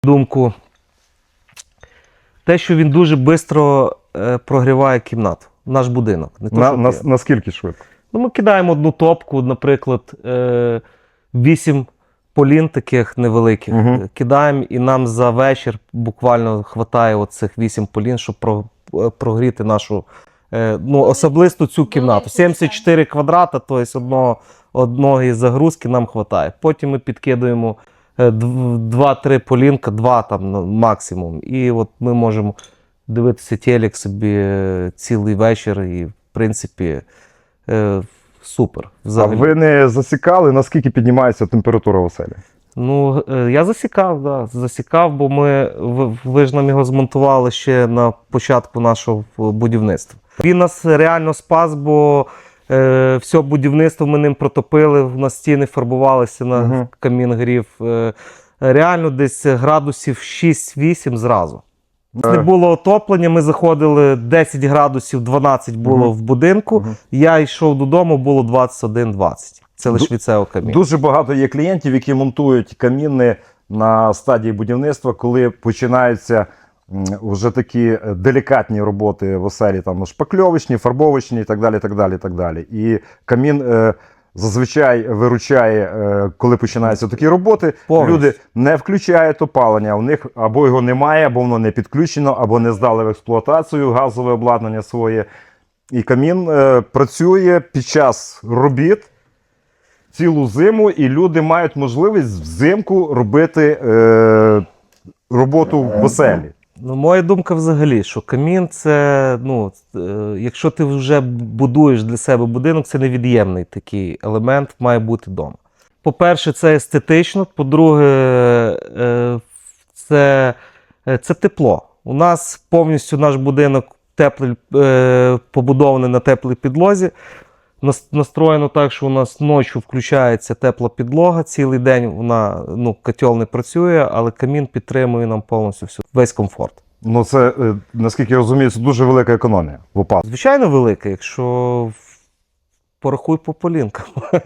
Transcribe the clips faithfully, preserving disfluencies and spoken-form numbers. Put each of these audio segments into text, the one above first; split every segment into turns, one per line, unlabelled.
думку, те, що він дуже швидко е, прогріває кімнату, наш будинок. Не то,
На,
що
на,
ти.
наскільки швидко?
Ну, ми кидаємо одну топку, наприклад, е, вісім полін таких невеликих,
Мгм.
кидаємо, і нам за вечір буквально хватає оцих вісім полін, щоб про, е, прогріти нашу, е, ну, особисто цю кімнату. сімдесят чотири квадрата, тобто одного, одної загрузки нам вистачає. Потім ми підкидуємо е, дв- два-три полінка, два там ну, максимум. І от ми можемо дивитися телек собі е, цілий вечір і, в принципі, е, супер. Взагалі.
А ви не засікали, наскільки піднімається температура в оселі?
Ну, е, я засікав, да, засікав, бо ми, ви, ви ж нам його змонтували ще на початку нашого будівництва. Він нас реально спас, бо е, все будівництво ми ним протопили, на стіни фарбувалися, на
Мгм.
камін грів. Е, реально десь градусів шість-вісім зразу. Не було отоплення, ми заходили десять градусів, дванадцять було
Мгм.
в будинку.
Мгм.
Я йшов додому, було двадцять один двадцять. Це лише
Ду-
від цього каміну.
Дуже багато є клієнтів, які монтують каміни на стадії будівництва, коли починаються м, вже такі делікатні роботи в оселі, там шпакльовочні, фарбовочні і так далі. так далі, так далі. І камін е, зазвичай виручає, е, коли починаються такі роботи.
Повністю.
Люди не включають опалення, у них або його немає, або воно не підключено, або не здали в експлуатацію газове обладнання своє. І камін е, працює під час робіт цілу зиму, і люди мають можливість взимку робити е, роботу в оселі.
Ну, моя думка взагалі, що камін це, ну, е, якщо ти вже будуєш для себе будинок, це невід'ємний такий елемент, має бути вдома. По-перше, це естетично, по-друге, е, це, е, це тепло. У нас повністю наш будинок теплий, е, побудований на теплій підлозі. Нас- Настроєно так, що у нас ночі включається тепла підлога, цілий день вона, ну, котел не працює, але камін підтримує нам повністю всю, весь комфорт.
Ну це, е, наскільки я розумію, це дуже велика економія в опалу.
Звичайно, велика, якщо порахуй по полінкам.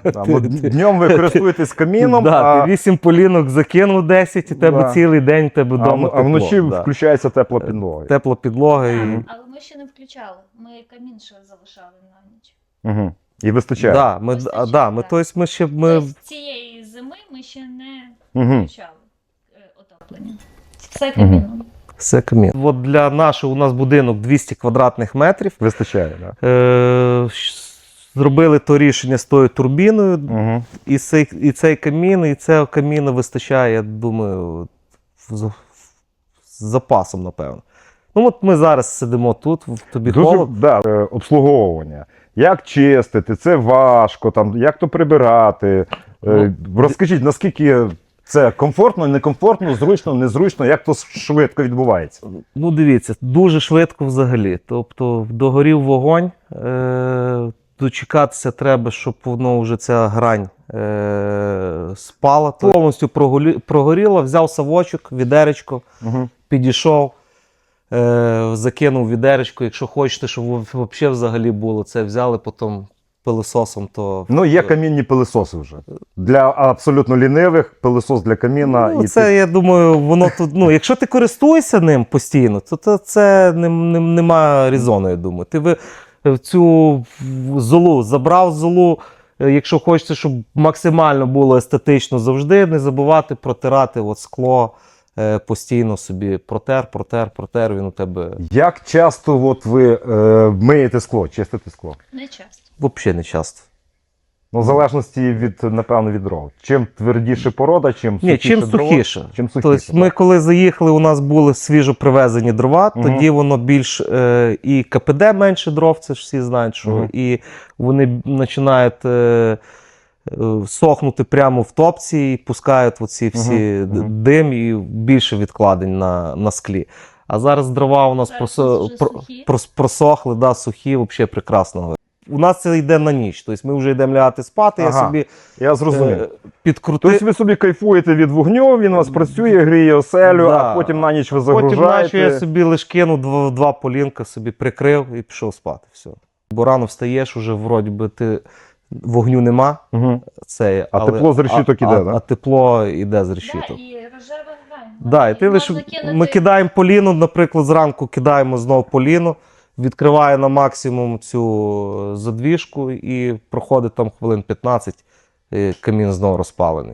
Днем ви користуєтесь каміном,
Да,
а,
ти вісім полінок закинув десять, і тебе
Да.
цілий день в тебе
а,
вдома
а вночі
тепло, да.
включається тепла підлога.
Тепла підлога. І...
Але ми ще не включали. Ми камін ще залишали на ніч.
Угу. І вистачає.
Да, ми,
Вистачає,
а, да, ми,
так.
тобто ми ще... Ми...
Тобто цієї зими ми ще не
Угу.
включали е, отоплення. Все каміном.
Все камін. От для нашого у нас будинок двісті квадратних метрів.
Вистачає, так. Да.
Е, щ- зробили то рішення з тою турбіною,
Угу.
і цей, і цей камін, і цього каміну вистачає, я думаю, з, з запасом, напевно. Ну от ми зараз сидимо тут, в тобі
Дуже
холодно.
да, е, обслуговування. Як чистити, це важко, там, як то прибирати. Е, Розкажіть, наскільки це комфортно, некомфортно, зручно, незручно, як то швидко відбувається?
Ну, дивіться, дуже швидко взагалі. Тобто, догорів вогонь, е, дочекатися треба, щоб воно вже ця грань е, спала. Повністю прогорі- прогоріло, взяв совочок, відеречко,
Угу.
підійшов, е, закинув відеречко. Якщо хочете, щоб взагалі взагалі було, це взяли потім пилисосом, то...
Ну, є камінні пилисоси вже. Для абсолютно лінивих пилисос для каміна.
Ну,
і
це,
ти-
я думаю, воно тут, ну, якщо ти користуєшся ним постійно, то, то це не, не, нема резону, я думаю. Ти ви в цю золу забрав золу, е, якщо хочете, щоб максимально було естетично завжди, не забувати протирати от скло, е, постійно собі протер, протер, протер, він у тебе
Як часто от ви е, миєте скло, чистите скло?
Не часто.
взагалі не часто.
Ну, в залежності від, напевно, від дров. Чим твердіше порода, чим сухіше
Ні, чим
дрова,
сухіше.
чим сухіше.
Тобто ми коли заїхали, у нас були свіжо привезені дрова,
Мгм.
тоді воно більш е, і КПД менше дров, це ж всі знають, що
Мгм.
і вони починають е, е, сохнути прямо в топці і пускають оці всі
Мгм.
д-
Мгм.
дим і більше відкладень на, на склі. А зараз дрова у нас
Зараз
просо,
у нас вже
про-
сухі.
прос- просохли, да, сухі, взагалі прекрасно. У нас це йде на ніч, тобто ми вже йдемо лягати спати,
Ага.
я собі
Я зрозумів.
е, підкрутив.
Тобто ви собі кайфуєте від вогню, він у вас працює, гріє оселю,
Да.
а потім на ніч ви
Потім
загружаєте.
наче я собі лиш кинув два, два полінка, собі прикрив і пішов спати. Все. Бо рано встаєш, уже вроді би ти вогню нема.
Угу.
Це,
А тепло з решіток
а,
іде,
а,
да?
а тепло йде з
Да,
решіток.
і Рожевий грань.
Да, і ти
Можна
лише,
кинути-
ми кидаємо поліну, наприклад, зранку кидаємо знову поліну, відкриває на максимум цю задвіжку і проходить там хвилин п'ятнадцять, і камін знову розпалений.